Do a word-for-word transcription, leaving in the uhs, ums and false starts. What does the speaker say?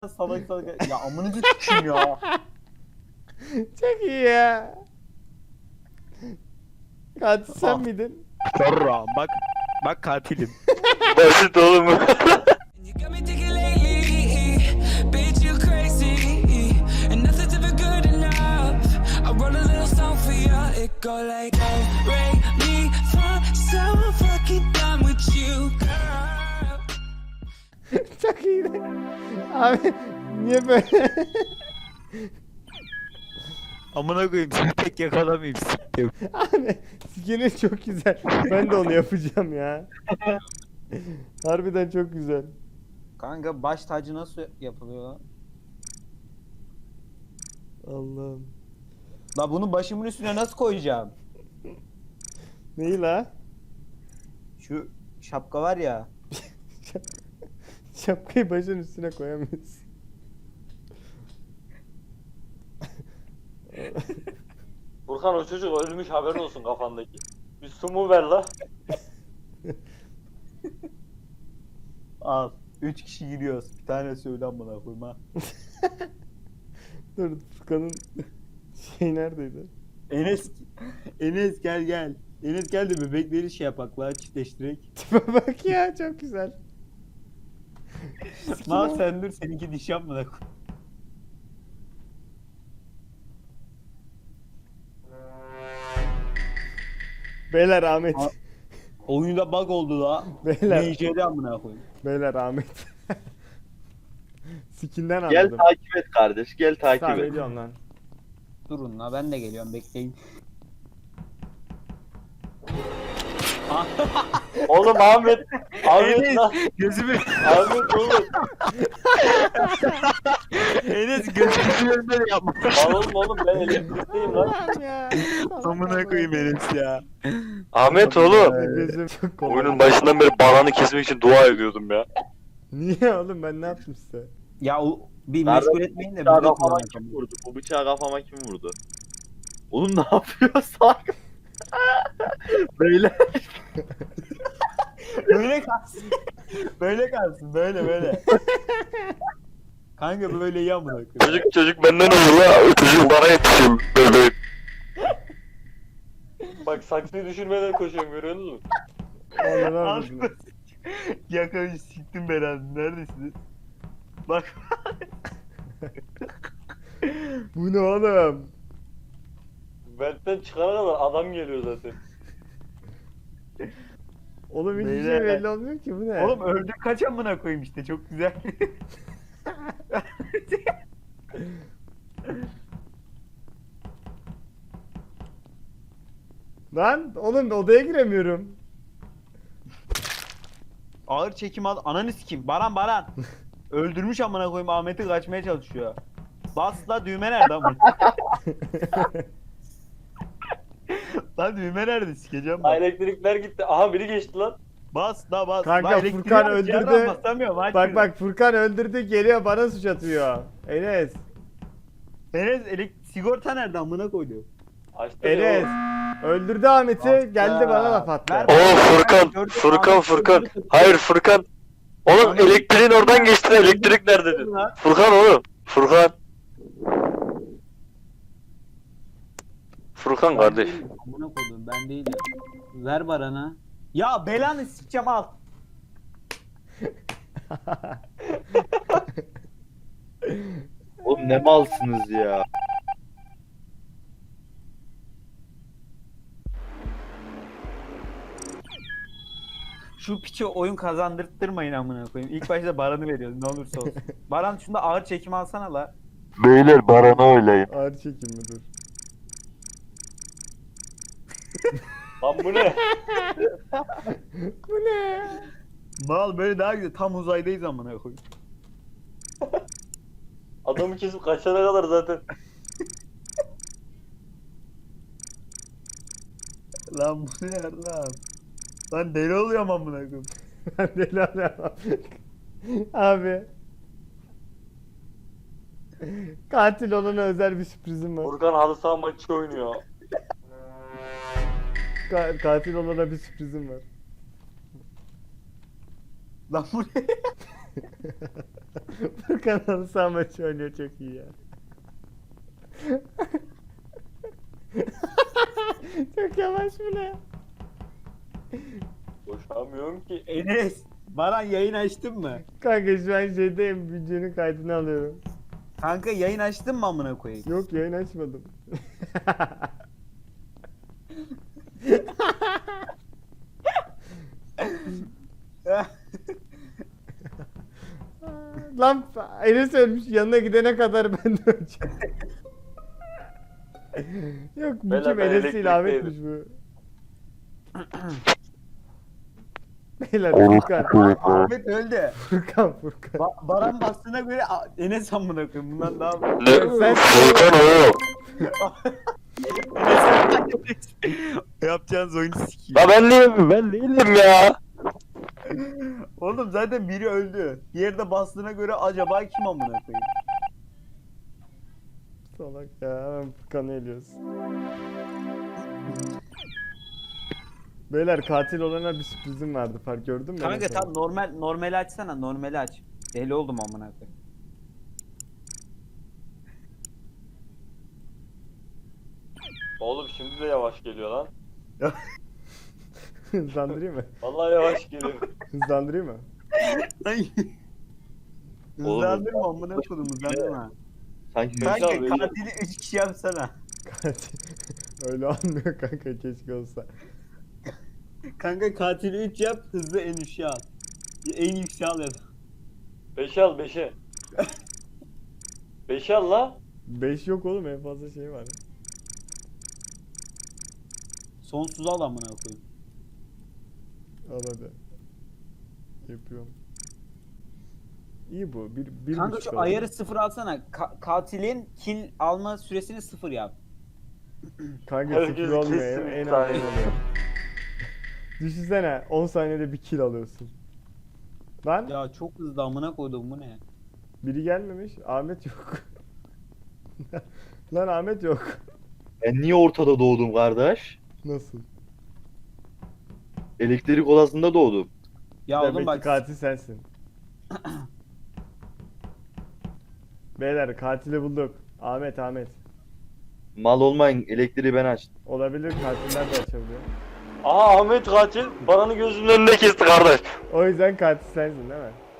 salak salak. Ya amınızı s**eyim ya. Çok iyi ya. Katil sen Ah. miydin? Sonra bak. Bak katilim. Basit oğlum. You got me thinking lately, bitch, you crazy, and nothing's ever good enough. I wrote a little song for you, it go like, oh, break me from so fucking done with you, girl. Çok iyiydi. Abi niye böyle? Amına koyayım seni tek yakalamayayım s**eyim. Abi skinin çok güzel. Ben de onu yapacağım ya. Harbiden çok güzel. Kanka baş tacı nasıl yapılıyor lan? Allah'ım. La bunu başımın üstüne nasıl koyacağım? Neyi la? Şu şapka var ya. Şapkayı başın üstüne koyamıyorsun. Burkan o çocuk ölmüş, haberin olsun kafandaki. Bir su mu ver la? Al. Üç kişi giriyoruz. Bir tane söyle amına koyayım ha. Dur Furkan'ın şey neredeydi? Enes Enes gel gel. Enes gel de bebekleri şey yapak la çiftleştirek. Tipe bak ya çok güzel. Mal sen dur seninki diş yapmadan koy. Beyler Ahmet. Aa. Oyunda bug oldu la. Beyler. N J'de amına koyayım. Beyler Ahmet. Skinden Gel anladım. takip et kardeş, gel takip Tamam et. ediyorum lan. Durun la ben de geliyorum bekleyin. Oğlum Ahmet. Ahmet Enes lan. gözümü Ahmet oğlum. Enes gözümün önünde yapma. Lan oğlum oğlum ben elektrikteyim lan. Lan ya. Amına koyayım Enes ya. Ahmet oğlum. Gözüm çok kolay. Oyunun başından beri bananı kesmek için dua ediyordum ya. Niye oğlum ben ne yaptım size? Ya o bir Nerede? meşgul etmeyin de Bıçağı biz de kafama kullanalım. kim vurdu? Bu bıçağı kafama kim vurdu? Oğlum ne yapıyor salak? Böyle. Böyle kalsın. Böyle kalsın böyle böyle. Kanka böyle iyi amına koyayım. Çocuk çocuk benden olur la. Çocuk bana yetişiyor. Böyle. Bak saksıyı düşürmeden koşuyorum, görüyor musun? Allah'ım Al. anladım. Yakayı siktim belanı. Neredesiniz? Bak. Bu ne oğlum? Ventten çıkana kadar adam geliyor zaten. Oğlum hiçbir şey Beyler. belli olmuyor ki bu ne? Oğlum öldük kaç amına koyayım işte çok güzel. Lan oğlum odaya giremiyorum. Ağır çekim al. Ananı sikeyim. Baran Baran. Öldürmüş amına koyayım Ahmet'i kaçmaya çalışıyor. Bas la düğme nerede amına? Lan düğme nerede sikeceğim Ha, bak. elektrikler gitti. Aha biri geçti lan. Bas la bas. Kanka, La elektriği Furkan aç, öldürdü. yerden basamıyorum, aç Bak şunu. bak Furkan öldürdü geliyor bana suç atıyor. Enes. Enes elek sigorta nerede amına koydu? Açtı Enes. ya. Öldürdü Ahmet'i Bak geldi ya. bana laf attı. Ver- Oo Furkan. Furkan Furkan. Hayır Furkan. Oğlum elektriğin oradan geçti. Elektrik nerede dedi. Furkan oğlum. Furkan. Furkan kardeş. Ben değilim, amına koydum ben değilim. Ver Baran'a. Ya belanı sikeceğim al. Oğlum ne malsınız ya. Şu piçe oyun kazandırttırmayın amına koyayım. İlk başta Baran'ı veriyoruz ne olursa olsun. Baran şunda ağır çekim alsana la. Beyler Baran'ı oylayın. Ağır çekim mi dur? Lan bu ne? Bu ne? Mal böyle daha güzel. Tam uzaydayız amına koyayım. Adamı kesip kaçana kadar zaten. Lan bu ne ya lan? Lan deli oluyorum amına koyayım. Ben deli alıyorum. Abi. Katil olana özel bir sürprizim var. Furkan halı saha maçı oynuyor. Ka- katil olana bir sürprizim var. Lan bu ne? Furkan halı saha maçı oynuyor, çok iyi ya. Çok yavaş bu ne? Boşamıyorum ki. Enes, Baran yayın açtın mı? Kanka şu an şeydeyim, videonun kaydını alıyorum. Kanka yayın açtın mı amına koyayım? Yok, yayın açmadım. Lan Enes ölmüş, yanına gidene kadar ben de öleceğim. Yok, bu Beyler, kim? ben Enes değil, Ahmet'miş elektrikteydim. bu. Beyler Furkan. Ahmet öldü. Furkan Furkan. Ba- Baran bastığına göre A- Enes amına koyayım. Bundan daha Ne? Sen- Furkan oğlum. yapacağınız oyunu sikeyim. La ben değilim, ben değilim ya. Oğlum zaten biri öldü. Diğeri de bastığına göre acaba kim amına koyayım? Salak ya, hemen Furkan'ı eliyoruz. Beyler, katil olana bir sürprizim vardı, fark gördün mü? Kanka Enes tam abi? normal normali açsana, normali aç. Deli oldum amına koyayım. Oğlum şimdi de yavaş geliyor lan. Hızlandırayım mı? Vallahi yavaş geliyor. Hızlandırayım mı? Hızlandırma amına koydum, hızlandırma. Sanki Kanka Köksal böyle. katili üç kişi yapsana. Katil. Öyle olmuyor kanka, keşke olsa. Kanka katili üç yap, hızlı en üçe al. En yükseğe al ya da. Beşe al beşe. Beşe al la. beş yok oğlum, en fazla şey var. Sonsuz al amına koyayım. Al hadi. Yapıyorum. İyi bu. Bir, bir Kanka buçuk şu oldu. ayarı sıfır alsana. Ka- katilin kill alma süresini sıfır yap. Kanka Herkes sıfır olmuyor. kesin En bir az tane. on oluyor. Düşünsene, on saniyede bir kill alıyorsun. Lan Ya çok hızlı amına koydum, bu ne? biri gelmemiş. Ahmet yok. Lan Ahmet yok. Ben niye ortada doğdum kardeş? Nasıl? Elektrik odasında doğdum. Ya Demek oğlum ki bak katil sensin. Beyler, katili bulduk. Ahmet Ahmet. Mal olmayın, elektriği ben açtım. Olabilir, katiller de açabiliyor. Aha Ahmet katil. Baran'ı gözümün önünde kesti kardeş. O yüzden katil sensin değil mi?